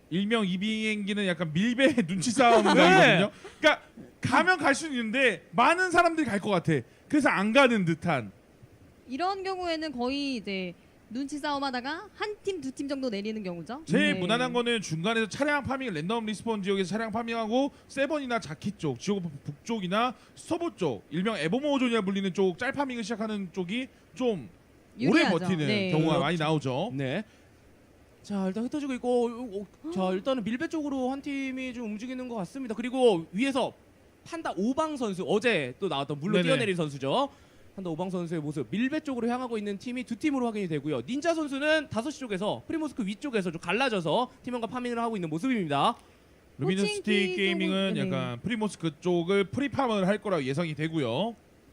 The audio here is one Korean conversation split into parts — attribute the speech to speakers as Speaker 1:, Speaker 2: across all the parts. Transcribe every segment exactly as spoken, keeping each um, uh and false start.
Speaker 1: 일명 이 비행기는 약간 밀배 눈치 싸움
Speaker 2: 네.
Speaker 1: 이거든요. 그러니까 가면 갈 수는 있는데 많은 사람들이 갈 것 같아. 그래서 안 가는 듯한.
Speaker 3: 이런 경우에는 거의 이제 눈치 싸움하다가 한 팀 두 팀 정도 내리는 경우죠.
Speaker 1: 제일
Speaker 3: 네.
Speaker 1: 무난한 거는 중간에서 차량 파밍, 랜덤 리스폰 지역에서 차량 파밍하고 세번이나 자키 쪽, 지옥 북쪽이나 스터보 쪽, 일명 에버모어존이라 불리는 쪽 짤 파밍을 시작하는 쪽이 좀 오래
Speaker 3: 유리하죠.
Speaker 1: 버티는
Speaker 3: 네.
Speaker 1: 경우가 많이 나오죠.
Speaker 2: 네. 자 일단 흩어지고 있고 어, 어, 자 일단은 밀배 쪽으로 한 팀이 좀 움직이는 것 같습니다. 그리고 위에서 판다 오방 선수 어제 또 나왔던 물로
Speaker 1: 네네.
Speaker 2: 뛰어내린 선수죠. 판다 오방 선수의 모습 밀배 쪽으로 향하고 있는 팀이 두 팀으로 확인이 되고요. 닌자 선수는 다섯 시 쪽에서 프리모스크 위쪽에서 좀 갈라져서 팀원과 파밍을 하고 있는 모습입니다.
Speaker 1: 루미너시티
Speaker 3: 호칭키
Speaker 1: 게이밍은
Speaker 3: 쪽은- 네.
Speaker 1: 약간 프리모스크 쪽을 프리팜을 할 거라고 예상이 되고요.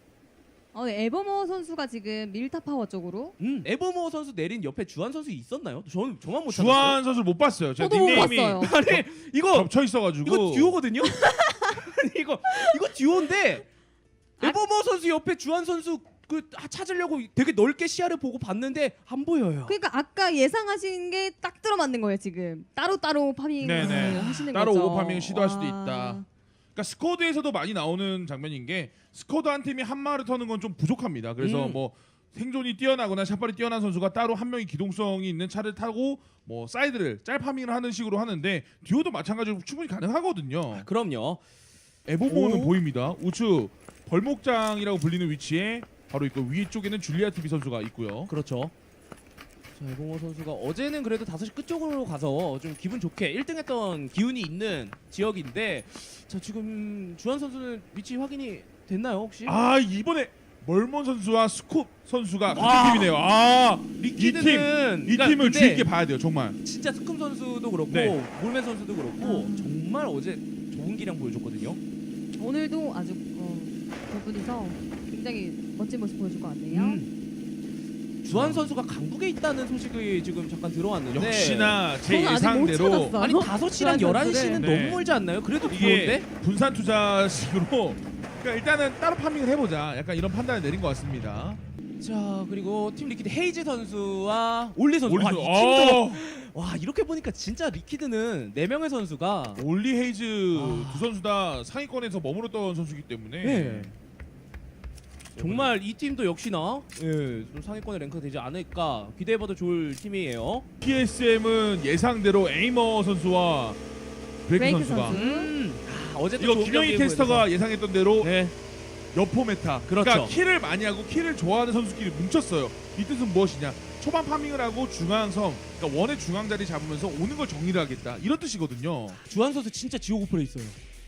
Speaker 3: 어, 네, 에버모 선수가 지금 밀타 파워 쪽으로.
Speaker 2: 음, 에버모 선수 내린 옆에 주한 선수 있었나요? 저는 저만 못
Speaker 1: 주한 선수를 못 봤어요. 제가
Speaker 3: 저도 못
Speaker 1: 닉네임이
Speaker 3: 봤어요.
Speaker 2: 찾았어요. 아니 이거
Speaker 1: 겹쳐 있어가지고
Speaker 2: 이거 듀오거든요. 아니, 이거 이거 듀오인데
Speaker 3: 아-
Speaker 2: 에버모 선수 옆에 주한 선수 그 아, 찾으려고 되게 넓게 시야를 보고 봤는데 안 보여요.
Speaker 3: 그러니까 아까 예상하신 게 딱 들어맞는 거예요 지금. 따로 따로 파밍
Speaker 1: 네네.
Speaker 3: 하시는
Speaker 1: 따로
Speaker 3: 거죠.
Speaker 1: 오버 파밍을 시도할 수도
Speaker 3: 와.
Speaker 1: 있다. 그러니까 스쿼드에서도 많이 나오는 장면인 게 스쿼드 한 팀이 한 마를 터는 건 좀 부족합니다. 그래서
Speaker 2: 음.
Speaker 1: 뭐 생존이 뛰어나거나 샷발이 뛰어난 선수가 따로 한 명이 기동성이 있는 차를 타고 뭐 사이드를 짤 파밍을 하는 식으로 하는데 듀오도 마찬가지로 충분히 가능하거든요.
Speaker 2: 그럼요.
Speaker 1: 에보모는
Speaker 2: 오.
Speaker 1: 보입니다. 우측 벌목장이라고 불리는 위치에 바로 있고 위쪽에는 줄리아 티비 선수가 있고요.
Speaker 2: 그렇죠. 자, 에버모 선수가 어제는 그래도 다섯 시 끝쪽으로 가서 좀 기분 좋게 일 등 했던 기운이 있는 지역인데 자 지금 주한 선수는 위치 확인이 됐나요 혹시?
Speaker 1: 아 이번에 멀몬 선수와 스쿱 선수가 같은
Speaker 2: 아.
Speaker 1: 팀이네요. 아,
Speaker 2: 리퀴드는
Speaker 1: 이 팀, 이
Speaker 2: 그러니까
Speaker 1: 팀을
Speaker 2: 근데
Speaker 1: 주의 깊게 봐야 돼요, 정말.
Speaker 2: 진짜 스쿰 선수도 그렇고
Speaker 1: 네.
Speaker 2: 몰맨 선수도 그렇고 정말 어제 좋은 기량 보여줬거든요.
Speaker 3: 오늘도 아주 어, 두 분이서 굉장히 멋진 모습 보여줄 것 같네요.
Speaker 2: 음. 주한 선수가 강북에 있다는 소식이 지금 잠깐 들어왔는데
Speaker 1: 역시나 제
Speaker 3: 저는 아직 못
Speaker 1: 예상대로
Speaker 3: 찾았어요.
Speaker 2: 아니 다섯 시랑
Speaker 3: 주한
Speaker 2: 열한 시는
Speaker 1: 선수를.
Speaker 2: 너무
Speaker 1: 네.
Speaker 2: 멀지 않나요? 그래도
Speaker 1: 이게
Speaker 2: 부러운데?
Speaker 1: 분산 투자식으로 그러니까 일단은 따로 파밍을 해보자. 약간 이런 판단을 내린 것 같습니다.
Speaker 2: 자 그리고 팀 리퀴드 헤이즈 선수와 올리 선수
Speaker 1: 올리
Speaker 2: 와, 이
Speaker 1: 선수,
Speaker 2: 팀도
Speaker 1: 어,
Speaker 2: 와 이렇게 보니까 진짜 리퀴드는 네 명의 선수가
Speaker 1: 올리 헤이즈
Speaker 2: 아.
Speaker 1: 두 선수 다 상위권에서 머무르던 선수이기 때문에
Speaker 2: 네. 정말 이 팀도 역시나 예, 좀 상위권에 랭크가 되지 않을까 기대해봐도 좋을 팀이에요.
Speaker 1: 피에스엠은 예상대로 에이머 선수와 브레이크,
Speaker 3: 브레이크
Speaker 1: 선수가
Speaker 3: 선수.
Speaker 2: 음, 아, 어제 또
Speaker 1: 이거
Speaker 2: 좋은
Speaker 1: 김영희
Speaker 2: 경기
Speaker 1: 캐스터가 예상했던 대로
Speaker 2: 보여줘서. 네.
Speaker 1: 여포 메타.
Speaker 2: 그렇죠.
Speaker 1: 그러니까 킬을 많이 하고 킬을 좋아하는 선수끼리 뭉쳤어요. 이 뜻은 무엇이냐? 초반 파밍을 하고 중앙섬, 그러니까 원의 중앙 자리 잡으면서 오는 걸 정리를 하겠다. 이런 뜻이거든요.
Speaker 2: 주한 선수 진짜 지오고프에 있어요.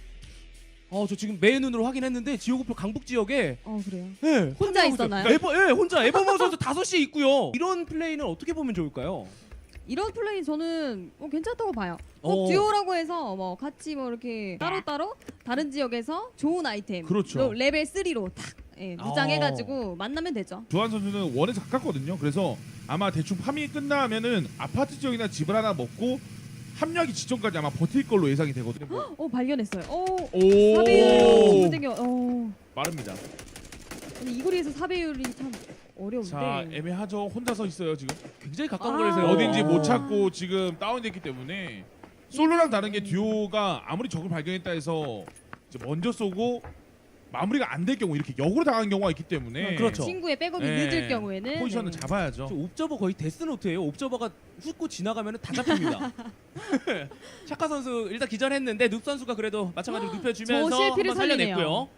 Speaker 2: 어, 저 지금 매 눈으로 확인했는데 지오고프 강북 지역에
Speaker 3: 어 그래요.
Speaker 2: 네,
Speaker 3: 혼자
Speaker 2: 판매하고
Speaker 3: 있었나요?
Speaker 2: 있어요. 에버, 예, 혼자 에버머 선수 다섯 시에 있고요. 이런 플레이는 어떻게 보면 좋을까요?
Speaker 3: 이런 플레이 저는 뭐 괜찮다고 봐요. 꼭
Speaker 2: 어.
Speaker 3: 듀오라고 해서 뭐 같이 뭐 이렇게 따로 따로 다른 지역에서 좋은 아이템,
Speaker 1: 그렇죠.
Speaker 3: 또 레벨 쓰리로 탁 예, 무장해가지고 만나면 되죠.
Speaker 1: 주한 선수는 원에서 가깝거든요. 그래서 아마 대충 파밍이 끝나면은 아파트 지역이나 집을 하나 먹고 합류하기 직전까지 아마 버틸 걸로 예상이 되거든요. 뭐.
Speaker 3: 어 발견했어요. 어
Speaker 1: 오,
Speaker 3: 사배율 땡겨. 어
Speaker 1: 빠릅니다.
Speaker 3: 근데 이 거리에서 사배율이 참 어려운데.
Speaker 1: 자, 애매하죠. 혼자 서 있어요 지금.
Speaker 2: 굉장히 가까운
Speaker 3: 아.
Speaker 2: 거리에서
Speaker 1: 어딘지 못
Speaker 3: 어.
Speaker 1: 찾고 지금 다운됐기 때문에 솔로랑 다른 게 듀오가 아무리 적을 발견했다 해서 이제 먼저 쏘고 마무리가 안 될 경우 이렇게 역으로 당한 경우가 있기 때문에
Speaker 2: 그렇죠.
Speaker 3: 친구의 백업이
Speaker 1: 네.
Speaker 3: 늦을 경우에는
Speaker 1: 포지션은
Speaker 3: 네.
Speaker 1: 잡아야죠.
Speaker 2: 저 옵저버 거의 데스노트예요. 옵저버가 훑고 지나가면 다 잡힙니다. 샤카 선수 일단 기절했는데 눕 선수가 그래도 마찬가지로 눕혀주면서
Speaker 3: 저 실패를
Speaker 2: 한번 살려냈고요.
Speaker 3: 살리네요.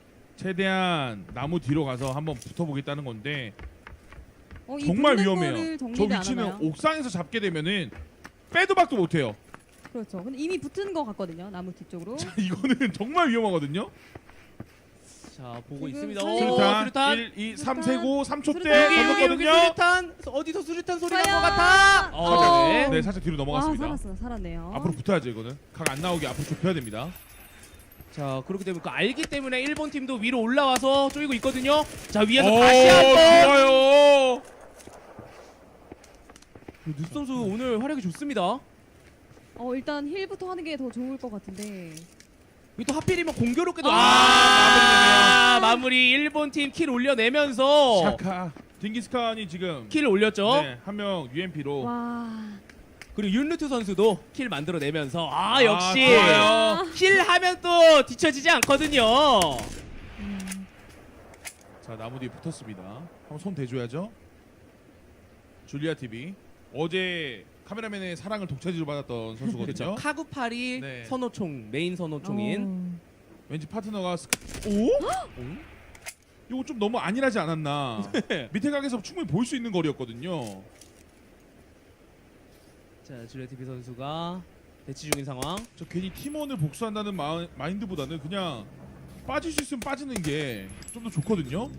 Speaker 1: 최대한 나무 뒤로 가서 한번 붙어보겠다는 건데
Speaker 3: 어, 이
Speaker 1: 정말
Speaker 3: 붙는
Speaker 1: 위험해요.
Speaker 3: 거를
Speaker 1: 저
Speaker 3: 정리를 안
Speaker 1: 위치는
Speaker 3: 하나요?
Speaker 1: 옥상에서 잡게 되면은 빼도 박도 못해요.
Speaker 3: 그렇죠. 근데 이미 붙은 것 같거든요. 나무 뒤쪽으로.
Speaker 1: 이거는 정말 위험하거든요.
Speaker 2: 자 보고
Speaker 3: 지금
Speaker 2: 있습니다.
Speaker 3: 살리고-
Speaker 2: 오,
Speaker 1: 수류탄
Speaker 2: 수류탄.
Speaker 1: 일, 이, 삼 세고 삼 초 때
Speaker 3: 수류탄.
Speaker 2: 여기 여기 여기
Speaker 1: 던졌거든요.
Speaker 2: 수류탄 어디서 수류탄 소리 날 것
Speaker 3: 과연?
Speaker 2: 같아.
Speaker 3: 어.
Speaker 2: 네.
Speaker 1: 네, 살짝 뒤로
Speaker 3: 와
Speaker 1: 넘어갔습니다.
Speaker 3: 살았어, 살았네요.
Speaker 1: 앞으로 붙어야죠 이거는. 각 안 나오게 앞으로 좁혀야 됩니다.
Speaker 2: 자 그렇기 때문에 그 알기 때문에 일본 팀도 위로 올라와서 쪼이고 있거든요. 자 위에서
Speaker 1: 오,
Speaker 2: 다시 한번
Speaker 1: 좋아요.
Speaker 2: 눕 선수 오늘 활약이 좋습니다.
Speaker 3: 어 일단 힐부터 하는 게 더 좋을 것 같은데.
Speaker 2: 여기 또 하필이면 공교롭게도
Speaker 3: 아,
Speaker 2: 아, 마무리 일본 팀 킬 올려내면서
Speaker 1: 샤카 딩기스칸이 지금
Speaker 2: 킬 올렸죠.
Speaker 1: 네, 한 명 유엠피로
Speaker 3: 와.
Speaker 2: 그리고 윤루트 선수도 킬 만들어내면서 아
Speaker 1: 아,
Speaker 2: 역시
Speaker 1: 좋아요.
Speaker 2: 킬 하면 또 뒤처지지 않거든요.
Speaker 3: 음,
Speaker 1: 자, 나무 뒤에 붙었습니다. 한번 손 대줘야죠. 줄리아 티비 어제 카메라맨의 사랑을 독차지로 받았던 선수거든요.
Speaker 2: 그렇죠. 카구팔이
Speaker 1: 네.
Speaker 2: 선호총 메인 선호총인
Speaker 3: 어.
Speaker 1: 왠지 파트너가 스... 오?
Speaker 2: 응?
Speaker 1: 이거 좀 너무 안일하지 않았나? 밑에 각에서 충분히 볼 수 있는 거리였거든요.
Speaker 2: 자 줄리아티비 선수가 대치 중인 상황.
Speaker 1: 저 괜히 팀원을 복수한다는 마, 마인드보다는 그냥 빠질 수 있으면 빠지는 게 좀 더 좋거든요.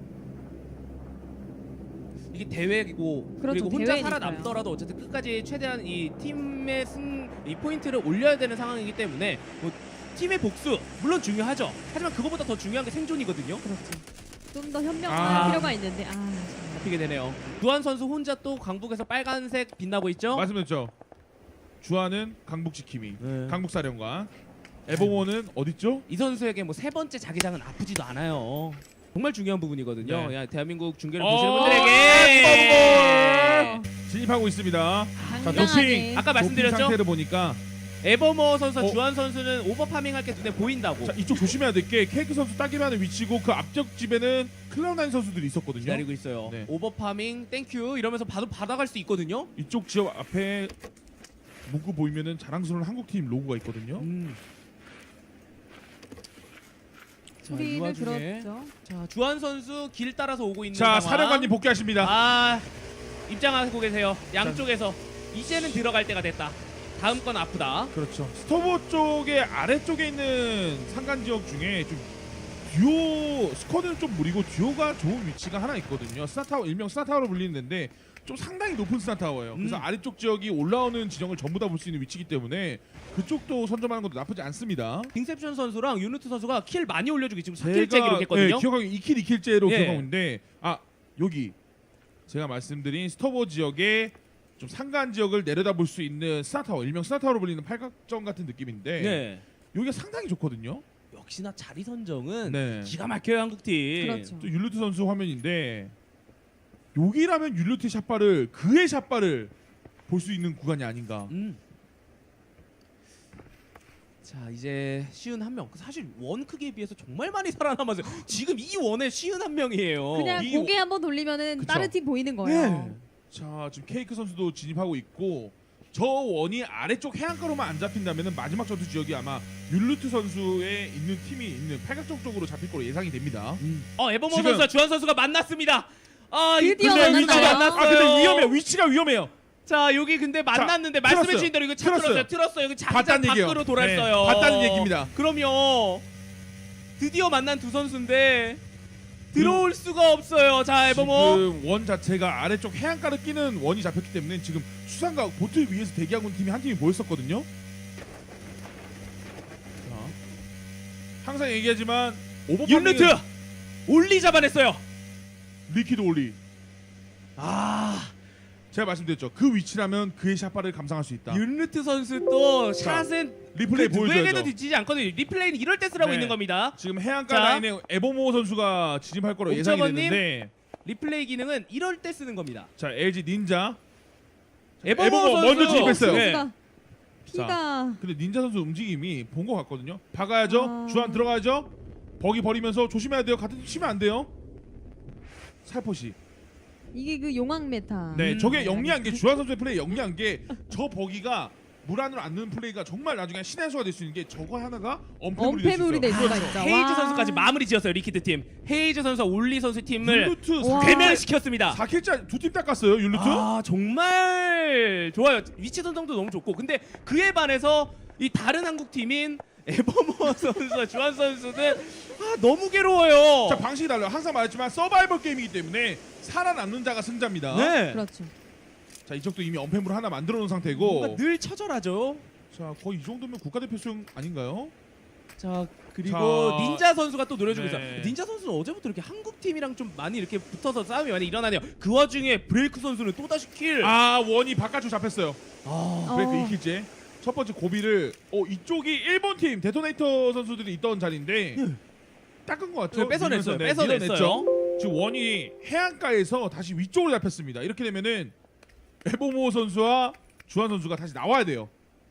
Speaker 2: 이게 대회고
Speaker 3: 그렇죠,
Speaker 2: 그리고 혼자
Speaker 3: 대회니까요.
Speaker 2: 살아남더라도 어쨌든 끝까지 최대한 이 팀의 승, 이 포인트를 올려야 되는 상황이기 때문에 뭐 팀의 복수 물론 중요하죠. 하지만 그거보다 더 중요한 게 생존이거든요.
Speaker 3: 그렇죠. 좀 더 현명할
Speaker 1: 아.
Speaker 3: 필요가 있는데 아 정말.
Speaker 2: 잡히게 되네요. 두한 선수 혼자 또 강북에서 빨간색 빛나고 있죠.
Speaker 1: 말씀드렸죠. 주하는 강북 지킴이,
Speaker 2: 네.
Speaker 1: 강북 사령관. 에버모는 어딨죠?
Speaker 2: 이 선수에게 뭐 세 번째 자기장은 아프지도 않아요. 정말 중요한 부분이거든요.
Speaker 1: 네.
Speaker 2: 야, 대한민국 중계를
Speaker 1: 어,
Speaker 2: 보시는 분들에게
Speaker 1: 에버모 진입하고 있습니다. 자,
Speaker 3: 당당하게.
Speaker 1: 도핑.
Speaker 2: 아까 말씀드렸죠?
Speaker 1: 도핑 상태를 보니까
Speaker 2: 에버머 선수와
Speaker 1: 어.
Speaker 2: 주한 선수는 오버파밍 할 게 눈에 보인다고
Speaker 1: 자, 이쪽 조심해야 될 게 케이크 선수 따기만 하는 위치고 그 앞쪽 집에는 클라우나인 선수들이 있었거든요.
Speaker 2: 기다리고 있어요.
Speaker 1: 네.
Speaker 2: 오버파밍 땡큐 이러면서 바로 받아갈 수 있거든요.
Speaker 1: 이쪽 지역 앞에 문구 보이면은 자랑스러운 한국팀 로고가 있거든요.
Speaker 2: 음. 자, 이
Speaker 3: 우리는
Speaker 2: 와중에
Speaker 3: 그렇죠.
Speaker 2: 자 주한 선수 길 따라서 오고 있는
Speaker 1: 자,
Speaker 2: 상황.
Speaker 1: 사령관님 복귀하십니다.
Speaker 2: 아 입장하고 계세요. 양쪽에서 이제는 들어갈 때가 됐다. 다음 건 아프다.
Speaker 1: 그렇죠. 스토버 쪽의 아래쪽에 있는 상간 지역 중에 좀 듀오 스쿼드는 좀 무리고 듀오가 좋은 위치가 하나 있거든요. 스타타워 일명 스타타워로 불리는데 좀 상당히 높은 스타타워예요. 그래서
Speaker 2: 음.
Speaker 1: 아래쪽 지역이 올라오는 지형을 전부 다 볼 수 있는 위치이기 때문에 그쪽도 선점하는 것도 나쁘지 않습니다.
Speaker 2: 빙셉션 선수랑 유누트 선수가 킬 많이 올려주고 지금 사
Speaker 1: 제가,
Speaker 2: 킬째 기록했거든요.
Speaker 1: 네, 기억하기 이 킬 이 킬째로
Speaker 2: 예.
Speaker 1: 기억하고 있는데 아 여기 제가 말씀드린 스토버 지역에 좀 상간 지역을 내려다볼 수 있는 스타타워 일명 스타타워로 불리는 팔각정 같은 느낌인데
Speaker 2: 네.
Speaker 1: 여기가 상당히 좋거든요.
Speaker 2: 역시나 자리 선정은
Speaker 1: 네.
Speaker 2: 기가 막혀요 한국팀.
Speaker 3: 그렇죠.
Speaker 1: 또 율루트 선수 화면인데 여기라면 율루트 샷발을 그의 샷발을 볼 수 있는 구간이 아닌가.
Speaker 2: 음. 자 이제 쉬운 한 명. 사실 원 크기에 비해서 정말 많이 살아남았어요. 지금 이 원에 쉬운 한 명이에요.
Speaker 3: 그냥
Speaker 1: 이-
Speaker 3: 고개 한번 돌리면은
Speaker 1: 그쵸.
Speaker 3: 다른 팀 보이는 거예요.
Speaker 2: 네.
Speaker 1: 자 지금 케이크 선수도 진입하고 있고 저 원이 아래쪽 해안가로만 안 잡힌다면 마지막 전투 지역이 아마 율루트 선수의 있는 팀이 있는 팔각정 쪽으로 잡힐 거로 예상이 됩니다.
Speaker 2: 어 에버모
Speaker 1: 지금-
Speaker 2: 선수와 주한 선수가 만났습니다. 아 이-
Speaker 3: 드디어
Speaker 2: 근데
Speaker 3: 만났어요.
Speaker 2: 위치가 만났어요.
Speaker 1: 아 근데 위험해요. 위치가 위험해요.
Speaker 2: 자 여기 근데 만났는데
Speaker 1: 틀었어요.
Speaker 2: 말씀해주신 대로 이거 차
Speaker 1: 틀었어요.
Speaker 2: 틀었어요. 틀었어요. 여기 자기장
Speaker 1: 봤다는 얘기예요.
Speaker 2: 밖으로 돌았어요.
Speaker 1: 네, 봤다는 얘기입니다.
Speaker 2: 그럼요. 드디어 만난 두 선수인데 들어올 수가 없어요. 자 에버모.
Speaker 1: 지금 원 자체가 아래쪽 해안가를 끼는 원이 잡혔기 때문에 지금 수상과 보트 위에서 대기하고 있는 팀이 한 팀이 모였었거든요. 자, 항상 얘기하지만 오버파밍은
Speaker 2: 윤르트 올리 잡아냈어요.
Speaker 1: 리퀴드 올리.
Speaker 2: 아
Speaker 1: 제가 말씀드렸죠. 그 위치라면 그의 샷발을 감상할 수 있다.
Speaker 2: 윤르트 선수 또
Speaker 1: 자,
Speaker 2: 샷은
Speaker 1: 리플레이
Speaker 2: 그 누구에게도
Speaker 1: 보여줘야죠.
Speaker 2: 뒤지지 않거든요. 리플레이는 이럴 때 쓰라고
Speaker 1: 네.
Speaker 2: 있는 겁니다.
Speaker 1: 지금 해안가
Speaker 2: 자.
Speaker 1: 라인에 에버모 선수가 진입할 거로 예상이
Speaker 2: 옥저버님.
Speaker 1: 됐는데
Speaker 2: 리플레이 기능은 이럴 때 쓰는 겁니다.
Speaker 1: 자 엘지 닌자
Speaker 2: 에버모,
Speaker 1: 에버모
Speaker 2: 선수
Speaker 1: 먼저 진입했어요.
Speaker 2: 네.
Speaker 3: 선수가 피가
Speaker 1: 근데 닌자 선수 움직임이 본 것 같거든요. 박아야죠.
Speaker 3: 아.
Speaker 1: 주안 들어가야죠. 버기 버리면서 조심해야 돼요. 같은 팀 치면 안 돼요. 살포시.
Speaker 3: 이게 그 용왕 메타.
Speaker 1: 네,
Speaker 2: 음.
Speaker 1: 저게 영리한 게 주한 선수의 플레이 영리한 게 저 버기가 물 안으로 안 넣는 플레이가 정말 나중에 신의 수가 될 수 있는 게 저거 하나가 엄폐물이
Speaker 3: 엄폐물이
Speaker 1: 될
Speaker 3: 될
Speaker 1: 수 있어요.
Speaker 3: 수가 있죠.
Speaker 2: 헤이즈
Speaker 3: 와.
Speaker 2: 선수까지 마무리 지었어요. 리퀴드 팀. 헤이즈 선수와 올리 선수 팀을
Speaker 1: 율루트
Speaker 3: 와.
Speaker 2: 괴멸시켰습니다.
Speaker 1: 사 킬짜 두 팀 닦았어요. 율루트.
Speaker 2: 아 정말 좋아요. 위치 선정도 너무 좋고 근데 그에 반해서 이 다른 한국 팀인 에버모 선수와 주한 선수는 아, 너무 괴로워요.
Speaker 1: 자 방식이 달라요. 항상 말했지만 서바이벌 게임이기 때문에 살아남는 자가 승자입니다.
Speaker 2: 네.
Speaker 3: 그렇죠.
Speaker 1: 자 이쪽도 이미 엄폐물 하나 만들어 놓은
Speaker 2: 뭔가
Speaker 1: 상태고.
Speaker 2: 늘 처절하죠.
Speaker 1: 자 거의 이 정도면 국가대표 수용 아닌가요?
Speaker 2: 자 그리고
Speaker 1: 자,
Speaker 2: 닌자 선수가 또 노려주고
Speaker 1: 네.
Speaker 2: 있어요. 닌자 선수는 어제부터 이렇게 한국 팀이랑 좀 많이 이렇게 붙어서 싸움이 많이 일어나네요. 그 와중에 브레이크 선수는 또 다시 킬.
Speaker 1: 아 원이 바깥쪽 잡혔어요.
Speaker 2: 아,
Speaker 3: 어.
Speaker 1: 브레이크 이 킬째. 첫 번째 고비를 어 이쪽이 일본 팀 데토네이터 선수들이 있던 자리인데 닦은 것 같죠?
Speaker 2: 네, 뺏어냈어요.
Speaker 1: 네,
Speaker 2: 뺏어냈어요.
Speaker 1: 밀어냈죠. 지금 원이 해안가에서 다시 위쪽으로 잡혔습니다. 이렇게 되면은 에보모 선수와 주한 선수가 다시 나와야 돼요.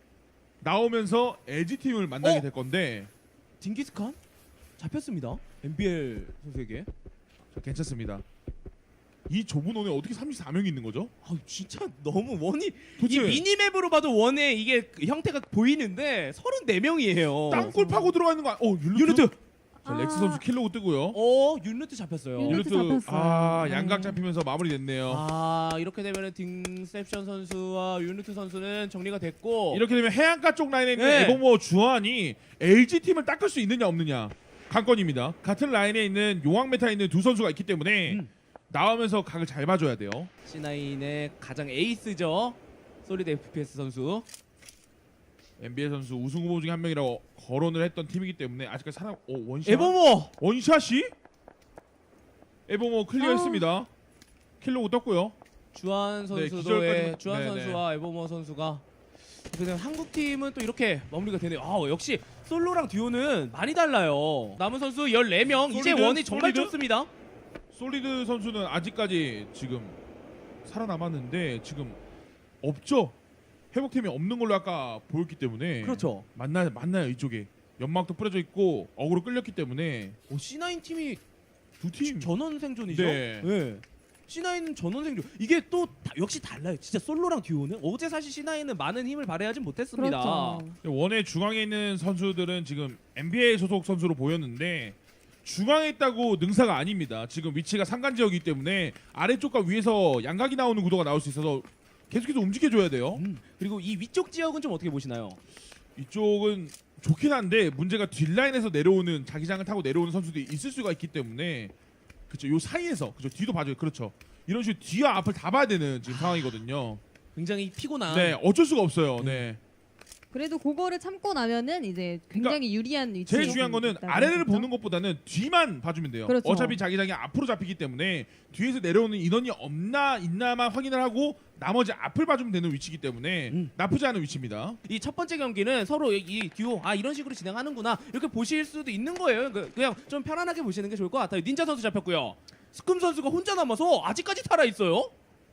Speaker 1: 나오면서 엘지 팀을 만나게
Speaker 2: 어?
Speaker 1: 될 건데
Speaker 2: 딩기스칸 잡혔습니다. 엠비엘 선수에게.
Speaker 1: 자, 괜찮습니다. 이 좁은 원에 어떻게 삼십사 명이 있는 거죠?
Speaker 2: 아 진짜 너무 원이 이
Speaker 1: 도대체
Speaker 2: 미니맵으로 봐도 원의 이게 그 형태가 보이는데 서른네 명이에요.
Speaker 1: 땅굴 파고 들어가 있는 거. 아- 어 율루트.
Speaker 2: 유니트.
Speaker 1: 자, 렉스
Speaker 3: 아.
Speaker 1: 선수 킬로고 뜨고요.
Speaker 2: 어 유니트 잡혔어요.
Speaker 3: 유니트.
Speaker 1: 율루트
Speaker 3: 잡혔어요.
Speaker 1: 아
Speaker 3: 네.
Speaker 1: 양각 잡히면서 마무리됐네요.
Speaker 2: 아 이렇게 되면은 딩셉션 선수와 유니트 선수는 정리가 됐고
Speaker 1: 이렇게 되면 해안가 쪽 라인에 있는
Speaker 2: 네.
Speaker 1: 에버모 주한이 엘지 팀을 닦을 수 있느냐 없느냐 관건입니다. 같은 라인에 있는 용왕 메타에 있는 두 선수가 있기 때문에
Speaker 2: 음.
Speaker 1: 나오면서 각을 잘 봐줘야 돼요.
Speaker 2: 씨나인의 가장 에이스죠. 솔리드 에프피에스 선수.
Speaker 1: 엔비에이 선수 우승 후보 중에 한 명이라고 거론을 했던 팀이기 때문에 아직까지 사람 어 원샷
Speaker 2: 에버모.
Speaker 1: 원샷이 에버모 클리어했습니다. 킬로 떴고요.
Speaker 2: 주한
Speaker 1: 네,
Speaker 2: 선수도
Speaker 1: 기절까지-
Speaker 2: 예, 주한
Speaker 1: 네,
Speaker 2: 선수와 에버모 선수가 그냥 한국 팀은 또 이렇게 마무리가 되네요. 아 역시 솔로랑 듀오는 많이 달라요. 남은 선수 열네 명 이제
Speaker 1: 솔리드?
Speaker 2: 원이 정말
Speaker 1: 솔리드?
Speaker 2: 좋습니다.
Speaker 1: 솔리드 선수는 아직까지 지금 살아남았는데 지금 없죠. 회복팀이 없는 걸로 아까 보였기 때문에
Speaker 2: 그렇죠.
Speaker 1: 만나 만나요 이쪽에 연막도 뿌려져 있고 어그로 끌렸기 때문에
Speaker 2: 오, 씨나인 팀이
Speaker 1: 두 팀
Speaker 2: 전원 생존이죠.
Speaker 1: 네.
Speaker 2: 네. 씨나인은 전원 생존. 이게 또 다- 역시 달라요. 진짜 솔로랑 듀오는 어제 사실 씨나인은 많은 힘을 발휘하진 못했습니다.
Speaker 3: 그렇죠.
Speaker 1: 원의 중앙에 있는 선수들은 지금 엔비에이 소속 선수로 보였는데 중앙에 있다고 능사가 아닙니다. 지금 위치가 상간 지역이기 때문에 아래쪽과 위에서 양각이 나오는 구도가 나올 수 있어서 계속해서 움직여줘야 돼요.
Speaker 2: 음, 그리고 이 위쪽 지역은 좀 어떻게 보시나요?
Speaker 1: 이쪽은 좋긴 한데 문제가 뒷라인에서 내려오는 자기장을 타고 내려오는 선수들이 있을 수가 있기 때문에 그렇죠. 요 사이에서 그렇죠. 뒤도 봐줘요. 그렇죠. 이런 식으로 뒤와 앞을 다 봐야 되는 지금 상황이거든요.
Speaker 2: 굉장히 피곤한.
Speaker 1: 네, 어쩔 수가 없어요. 네.
Speaker 3: 그래도 그거를 참고 나면은 이제 굉장히 유리한 위치에
Speaker 1: 제일 중요한 거는
Speaker 3: 있다고
Speaker 1: 아래를
Speaker 3: 했었죠.
Speaker 1: 보는 것보다는 뒤만 봐주면 돼요.
Speaker 3: 그렇죠.
Speaker 1: 어차피 자기장이 앞으로 잡히기 때문에 뒤에서 내려오는 인원이 없나 있나만 확인을 하고 나머지 앞을 봐주면 되는 위치이기 때문에
Speaker 2: 음.
Speaker 1: 나쁘지 않은 위치입니다.
Speaker 2: 이 첫 번째 경기는 서로 이 듀오 아 이런 식으로 진행하는구나 이렇게 보실 수도 있는 거예요. 그- 그냥 좀 편안하게 보시는 게 좋을 것 같아요. 닌자 선수 잡혔고요. 스큼 선수가 혼자 남아서 아직까지 살아 있어요.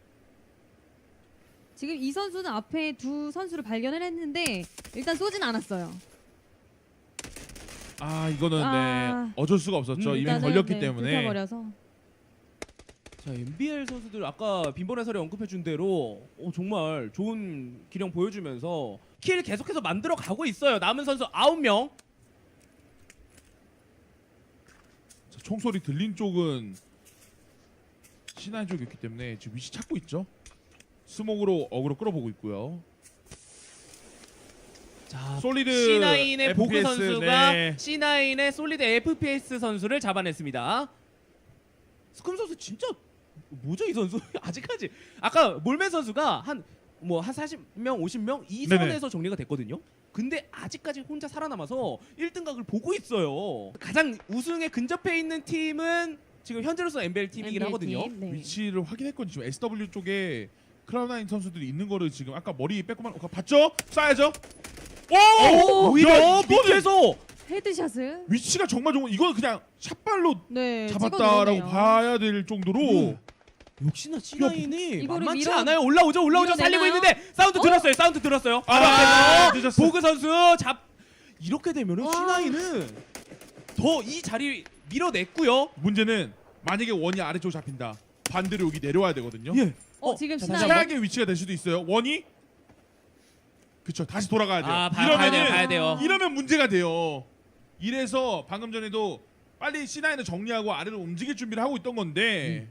Speaker 3: 지금 이 선수는 앞에 두 선수를 발견을 했는데 일단 쏘진 않았어요.
Speaker 1: 아 이거는
Speaker 3: 아.
Speaker 1: 네 어쩔 수가 없었죠.
Speaker 2: 음,
Speaker 1: 이미
Speaker 3: 일단은,
Speaker 1: 걸렸기
Speaker 3: 네,
Speaker 1: 때문에
Speaker 3: 불켜버려서.
Speaker 2: 자 엔비엘 선수들 아까 빈번 해설에 언급해준 대로 어, 정말 좋은 기량 보여주면서 킬 계속해서 만들어 가고 있어요. 남은 선수 아홉 명.
Speaker 1: 자, 총소리 들린 쪽은 신한 쪽이었기 때문에 지금 위치 찾고 있죠. 스모그로 어그로 끌어보고 있고요.
Speaker 2: 자
Speaker 1: 솔리드
Speaker 2: 씨나인의 보그
Speaker 1: 에프피에스,
Speaker 2: 선수가
Speaker 1: 네.
Speaker 2: 씨나인의 솔리드 에프피에스 선수를 잡아냈습니다. 스큼 선수 진짜 뭐죠 이 선수? 아직까지 아까 몰맨 선수가 한 뭐 한 사십 명, 오십 명 이
Speaker 1: 네네.
Speaker 2: 선에서 정리가 됐거든요. 근데 아직까지 혼자 살아남아서 일 등 각을 보고 있어요. 가장 우승에 근접해 있는 팀은 지금 현재로서 엔비엘 팀이긴
Speaker 3: 엔비에이
Speaker 2: 하거든요.
Speaker 3: 팀, 네.
Speaker 1: 위치를 확인했거든요. 지금 에스더블유 쪽에 크라우나인 선수들이 있는 거를 지금 아까 머리 빼고만 어, 봤죠? 쏴야죠. 오!
Speaker 2: 오, 오히려
Speaker 1: 야, 이거는
Speaker 2: 밑에서
Speaker 3: 헤드샷을
Speaker 1: 위치가 정말 좋은 이건 그냥 샷발로
Speaker 3: 네,
Speaker 1: 잡았다라고
Speaker 3: 찍어내네요.
Speaker 1: 봐야 될 정도로
Speaker 2: 음. 역시나 씨나인이
Speaker 3: 이거를
Speaker 2: 만만치
Speaker 3: 밀어-
Speaker 2: 않아요. 올라오죠, 올라오죠. 살리고
Speaker 3: 밀어내나요?
Speaker 2: 있는데 사운드 들었어요. 사운드 들었어요. 바로
Speaker 1: 아,
Speaker 2: 앞에서
Speaker 1: 늦었어.
Speaker 2: 보그 선수 잡 이렇게 되면은
Speaker 3: 와.
Speaker 2: 씨나인은 더 이 자리 밀어냈고요.
Speaker 1: 문제는 만약에 원이 아래쪽 잡힌다. 반대로 여기 내려와야 되거든요.
Speaker 2: 예.
Speaker 3: 어, 지금
Speaker 2: 자,
Speaker 3: 시나인.
Speaker 2: 다시 한번.
Speaker 1: 최악의 위치가 될 수도 있어요. 원이 그쵸 다시 돌아가야 돼요.
Speaker 2: 아, 봐, 봐야 돼요,
Speaker 3: 이러면은-
Speaker 2: 봐야 돼요.
Speaker 1: 이러면 문제가 돼요. 이래서 방금 전에도 빨리 씨나인을 정리하고 아래로 움직일 준비를 하고 있던 건데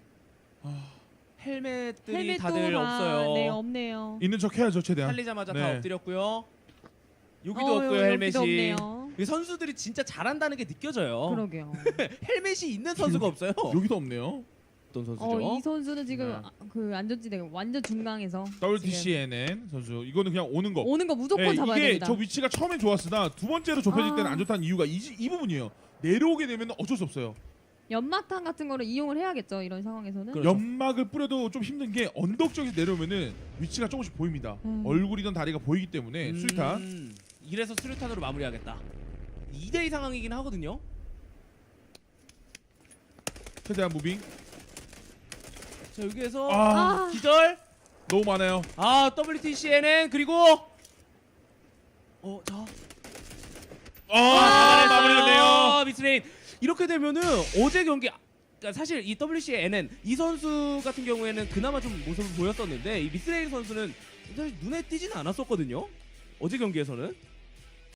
Speaker 2: 헬멧들이
Speaker 3: 헬멧도
Speaker 2: 다들
Speaker 3: 다,
Speaker 2: 없어요.
Speaker 3: 네, 없네요.
Speaker 1: 있는 척 해야죠 최대한.
Speaker 2: 살리자마자
Speaker 1: 네.
Speaker 2: 다 엎드렸고요. 여기도
Speaker 3: 어,
Speaker 2: 없고요,
Speaker 3: 여기도
Speaker 2: 헬멧이.
Speaker 3: 없네요.
Speaker 2: 이 선수들이 진짜 잘한다는 게 느껴져요.
Speaker 3: 그러게요.
Speaker 2: 헬멧이 있는 선수가 없어요.
Speaker 1: 여기도 없네요.
Speaker 2: 어떤 선수죠?
Speaker 3: 어, 이 선수는 지금
Speaker 1: 네.
Speaker 3: 아, 그 안전지대 완전 중앙에서
Speaker 1: 더블유티씨엔엔 선수 이거는 그냥 오는 거.
Speaker 3: 오는 거 무조건
Speaker 1: 네,
Speaker 3: 잡아야
Speaker 1: 이게
Speaker 3: 됩니다.
Speaker 1: 저 위치가 처음엔 좋았으나 두 번째로 좁혀질
Speaker 3: 아.
Speaker 1: 때는 안 좋다는 이유가 이, 이 부분이에요. 내려오게 되면 어쩔 수 없어요.
Speaker 3: 연막탄 같은 거를 이용을 해야겠죠. 이런 상황에서는.
Speaker 2: 그렇죠.
Speaker 1: 연막을 뿌려도 좀 힘든 게 언덕 쪽에서 내려오면은 위치가 조금씩 보입니다.
Speaker 3: 음.
Speaker 1: 얼굴이던 다리가 보이기 때문에
Speaker 2: 음,
Speaker 1: 수류탄.
Speaker 2: 이래서 수류탄으로 마무리하겠다. 이 대 이 상황이긴 하거든요.
Speaker 1: 최대한 무빙.
Speaker 2: 자 여기에서
Speaker 1: 아,
Speaker 3: 아,
Speaker 2: 기절.
Speaker 1: 너무 많아요.
Speaker 2: 아 더블유티씨에는 그리고 어 자.
Speaker 1: 아, 마무리됐네요.
Speaker 2: 아, 미스레인. 이렇게 되면은 어제 경기 그러니까 사실 이 더블유씨에는 이 선수 같은 경우에는 그나마 좀 모습을 보였었는데 이 미스레인 선수는 사실 눈에 띄지는 않았었거든요. 어제 경기에서는.